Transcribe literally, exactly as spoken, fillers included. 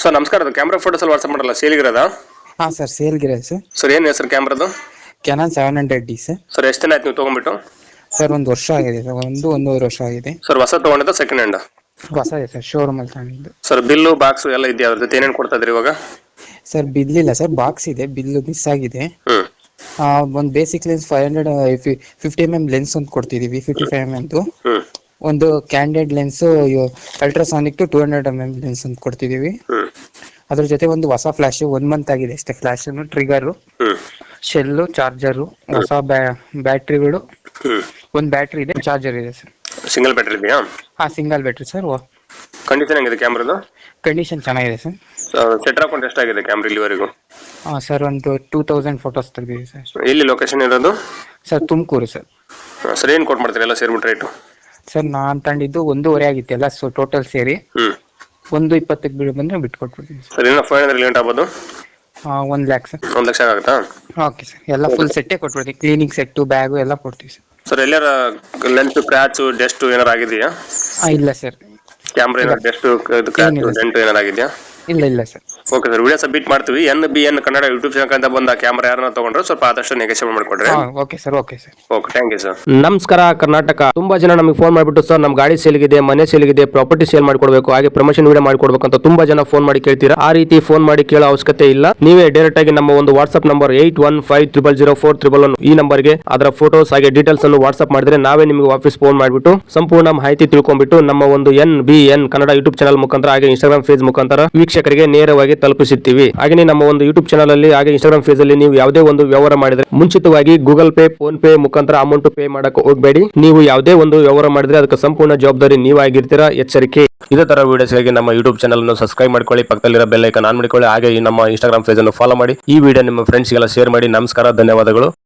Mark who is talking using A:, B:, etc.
A: Sir ನಮಸ್ಕಾರ, ಅದು camera photos ಅಲ್ಲಿ ವಾಟ್ಸ್ಆಪ್ ಮಾಡಲ್ಲ ಸೇಲ್ಗಿರೋದ?
B: ಹಾಂ ಸರ್, ಸೇಲ್ಗಿದೆ ಸರ್.
A: ಸರ್ ಏನು ಹೆಸರು ಕ್ಯಾಮ್ರಾದು?
B: Canon seven hundred D sir.
A: Sir ಎಷ್ಟು ದಿನ ಆಯ್ತು ನೀವು ತೊಗೊಂಡ್ಬಿಟ್ಟು?
B: ಸರ್ ಒಂದು ವರ್ಷ ಆಗಿದೆ ಸರ್, ಒಂದು ಒಂದೂವರೆ ವರ್ಷ ಆಗಿದೆ.
A: ಸರ್ ಹೊಸ ತೊಗೊಂಡಿದ್ದ ಸೆಕೆಂಡ್ ಹ್ಯಾಂಡ್?
B: ಹೊಸ ಇದೆ ಸರ್, ಶೋರೂಮಲ್ಲಿ ತಗೊಂಡಿದ್ದು.
A: ಸರ್ ಬಿಲ್ಲು ಬಾಕ್ಸು ಎಲ್ಲ ಇದೆಯಾ? ಅದ್ರ ಜೊತೆ ಏನೇನು ಕೊಡ್ತಾ ಇದ್ರಿ ಇವಾಗ?
B: ಸರ್ ಬಿಲ್ ಇಲ್ಲ ಸರ್, ಬಾಕ್ಸ್ ಇದೆ, ಬಿಲ್ಲು ಮಿಸ್ ಆಗಿದೆ.
A: ಹ್ಮ್
B: ಒಂದು basic lens five hundred fifty M M lens ಒಂದು ಕೊಡ್ತಿದ್ದೀವಿ, ಫಿಫ್ಟಿ ಫೈವ್ ಎಮ್ ಎಮ್ದು.
A: ಹ್ಮ್
B: ಒಂದು ಕ್ಯಾಂಡೆಡ್ lens ultrasonic to two hundred M M lens ಅಂತ ಕೊಡ್ತಿದ್ದೀವಿ.
A: ಹ್ಮ್
B: ಅದ್ರ ಜೊತೆ ಒಂದು ಹೊಸ ಫ್ಲಾಶ್, ಒನ್ ಮಂತ್ ಆಗಿದೆ ಅಷ್ಟೇ. ಫ್ಲಾಶ್ ಟ್ರಿಗರು,
A: ಹ್ಮ್
B: ಶೆಲ್ಲು, ಚಾರ್ಜರು, ಹೊಸ ಬ್ಯಾಟ್ರಿಗಳು,
A: ಹ್ಮ್
B: ಒಂದು ಬ್ಯಾಟ್ರಿ ಇದೆ, ಚಾರ್ಜರ್ ಇದೆ ಸರ್.
A: ಸಿಂಗಲ್ ಬ್ಯಾಟ್ರಿ ಇದೆಯಾ?
B: ಹಾಂ, ಸಿಂಗಲ್ ಬ್ಯಾಟ್ರಿ ಸರ್.
A: ಕಂಡೀಷನ್ ಹೆಂಗಿದೆ ಕ್ಯಾಮ್ರಾದು?
B: ಕಂಡೀಷನ್ ಚೆನ್ನಾಗಿದೆ ಸರ್.
A: ಸೆಟ್ ಹಾಕೊಂಡು ಎಷ್ಟಾಗಿದೆ ಕ್ಯಾಮ್ರಾ ಇಲ್ಲಿವರೆಗೂ?
B: ಹಾಂ ಸರ್, ಒಂದು ಟೂ ತೌಸಂಡ್ ಫೋಟೋಸ್ ತೆಗೆದಿದೆ ಸರ್.
A: ಎಲ್ಲಿ ಲೊಕೇಶನ್ ಇರೋದು?
B: Sir Tumakuru sir.
A: ಸರ್ ಏನು ಕೊಟ್ಟು ಮಾಡ್ತೀರಿ ಎಲ್ಲ ಸೇರ್ಬಿಟ್ಟು ರೇಟು?
B: ಸರ್ ನಾನು ತಂದಿದ್ದು ಒಂದೂವರೆ ಆಗಿತ್ತು ಎಲ್ಲ, ಸೊ ಟೋಟಲ್ ಸೇರಿ
A: ಹ್ಮ್
B: ಒಂದು ಇಪ್ಪತ್ತಕ್ಕೆ ಬಿಡು ಬಂದರೆ ಬಿಟ್ಕೊಟ್ಬಿಡ್ತೀನಿ ಸರ್.
A: ಸರ್ ಏನೋ ಫೈವ್ ಹಂಡ್ರೆಡ್ ಲಿಮಿಟ್ ಆಗ್ಬೋದು?
B: ಒಂದು ಲ್ಯಾಕ್ ಸರ್.
A: ಒಂದು ಲಕ್ಷ ಆಗುತ್ತಾ?
B: ಓಕೆ ಸರ್, ಎಲ್ಲ ಫುಲ್ ಸೆಟ್ಟೇ ಕೊಟ್ಬಿಡ್ತೀವಿ, ಕ್ಲೀನಿಂಗ್ ಸೆಟ್ಟು, ಬ್ಯಾಗು ಎಲ್ಲ ಕೊಡ್ತೀವಿ ಸರ್.
A: ಸರ್ ಎಲ್ಲಾರ ಲೆನ್ಸ್ ಕ್ರ್ಯಾಚು ಡೆಸ್ಟು ಏನಾರು ಆಗಿದೆಯಾ?
B: ಹಾಂ, ಇಲ್ಲ ಸರ್.
A: ಕ್ಯಾಮ್ರಾ ಏನಾರು ಡೆಸ್ಟು ಕ್ರ್ಯಾಚು ಡೆಂಟು ಏನಾರು ಆಗಿದೆಯಾ?
B: ಇಲ್ಲ ಇಲ್ಲ sir.
A: Okay sir, video submit ಮಾಡ್ತೀವಿ. N B N Kannada YouTube channel ಅಂತ ಬಂದ ಕ್ಯಾಮ್ರಾ ಯಾರನ್ನ ತಗೊಂಡ್ರೆ ಸ್ವಲ್ಪ ಆದಷ್ಟು ನೆಗೆಷನ್ ಮಾಡಿಕೊಡ್ರಿ.
B: Okay sir, okay sir.
A: Okay, thank you sir.
C: ನಮಸ್ಕಾರ ಕರ್ನಾಟಕ. ತುಂಬಾ ಜನ ನಮಗೆ ಫೋನ್ ಮಾಡಿಬಿಟ್ಟು ಸರ್ ನಮ್ಮ ಗಾಡಿ ಸೇಲ್ಗಿದೆ, ಮನೆ ಸೇಲ್ಗಿದೆ, ಪ್ರಾಪರ್ಟಿ ಸೇಲ್ ಮಾಡ್ಕೊಡ್ಬೇಕು, ಹಾಗೆ ಪ್ರಮೋಷನ್ ವಿಡಿಯೋ ಮಾಡ್ಕೊಡ್ಬೇಕು ಅಂತ ತುಂಬಾ ಜನ ಫೋನ್ ಮಾಡಿ ಕೇಳ್ತೀರಾ. ಆ ರೀತಿ ಫೋನ್ ಮಾಡಿ ಕೇಳೋ ಅವಶ್ಯಕತೆ ಇಲ್ಲ. ನೀವೇ ಡೈರೆಕ್ಟ್ ಆಗಿ ನಮ್ಮ ಒಂದು WhatsApp number eight one five triple zero four triple one ಈ ನಂಬರ್ಗೆ ಅದರ ಫೋಟೋಸ್ ಹಾಗೆ ಡೀಟೇಲ್ಸ್ ಅನ್ನು ವಾಟ್ಸ್ಆಪ್ ಮಾಡಿದ್ರೆ ನಾವೇ ನಿಮಗೆ ವಾಪಸ್ ಫೋನ್ ಮಾಡಿಬಿಟ್ಟು ಸಂಪೂರ್ಣ ಮಾಹಿತಿ ತಿಳ್ಕೊಂಡ್ಬಿಟ್ಟು ನಮ್ಮ ಒಂದು N B N Kannada YouTube channel ಮುಖಾಂತರ ಹಾಗೆ ಇನ್ಸ್ಟಾಗ್ರಾಮ್ ಪೇಜ್ ಮುಖಾಂತರ ವೀಕ್ಷಕರಿಗೆ ನೇರವಾಗಿ ತಲುಪಿಸುತ್ತೀವಿ. ಹಾಗೆ ನಮ್ಮ ಒಂದು ಯೂಟ್ಯೂಬ್ ಚಾನಲ್ ಅಲ್ಲಿ ಹಾಗೆ ಇನ್ಸ್ಟಾಗ್ರಾಮ್ ಪೇಜ್ ಅಲ್ಲಿ ನೀವು ಯಾವುದೇ ಒಂದು ವ್ಯವಹಾರ ಮಾಡಿದ್ರೆ ಮುಂಚಿತವಾಗಿ ಗೂಗಲ್ ಪೇ, ಫೋನ್ ಪೇ ಮುಖಾಂತರ ಅಮೌಂಟ್ ಪೇ ಮಾಡಕ್ಕೆ ಹೋಗಬೇಡಿ. ನೀವು ಯಾವುದೇ ಒಂದು ವ್ಯವಹಾರ ಮಾಡಿದ್ರೆ ಅದಕ್ಕೆ ಸಂಪೂರ್ಣ ಜವಾಬ್ದಾರಿ ನೀವಾಗಿರ್ತೀರಾ, ಎಚ್ಚರಿಕೆ. ಇದೇ ತರ ವಿಡಿಯೋಸ್ಗಾಗಿ ನಮ್ಮ ಯೂಟ್ಯೂಬ್ ಚಾನಲ್ ಅನ್ನು ಸಬ್ಸ್ಕ್ರೈಬ್ ಮಾಡ್ಕೊಳ್ಳಿ, ಪಕ್ಕದಲ್ಲಿರೋ ಬೆಲ್ ಐಕಾನ್ ಆನ್ ಮಾಡಿಕೊಳ್ಳಿ, ಹಾಗೆ ನಮ್ಮ ಇನ್ಸ್ಟಾಗ್ರಾಮ್ ಪೇಜ್ ಅನ್ನು ಫಾಲೋ ಮಾಡಿ. ಈ ವಿಡಿಯೋ ನಿಮ್ಮ ಫ್ರೆಂಡ್ಸ್ಗೆಲ್ಲ ಶೇರ್ ಮಾಡಿ. ನಮಸ್ಕಾರ, ಧನ್ಯವಾದಗಳು.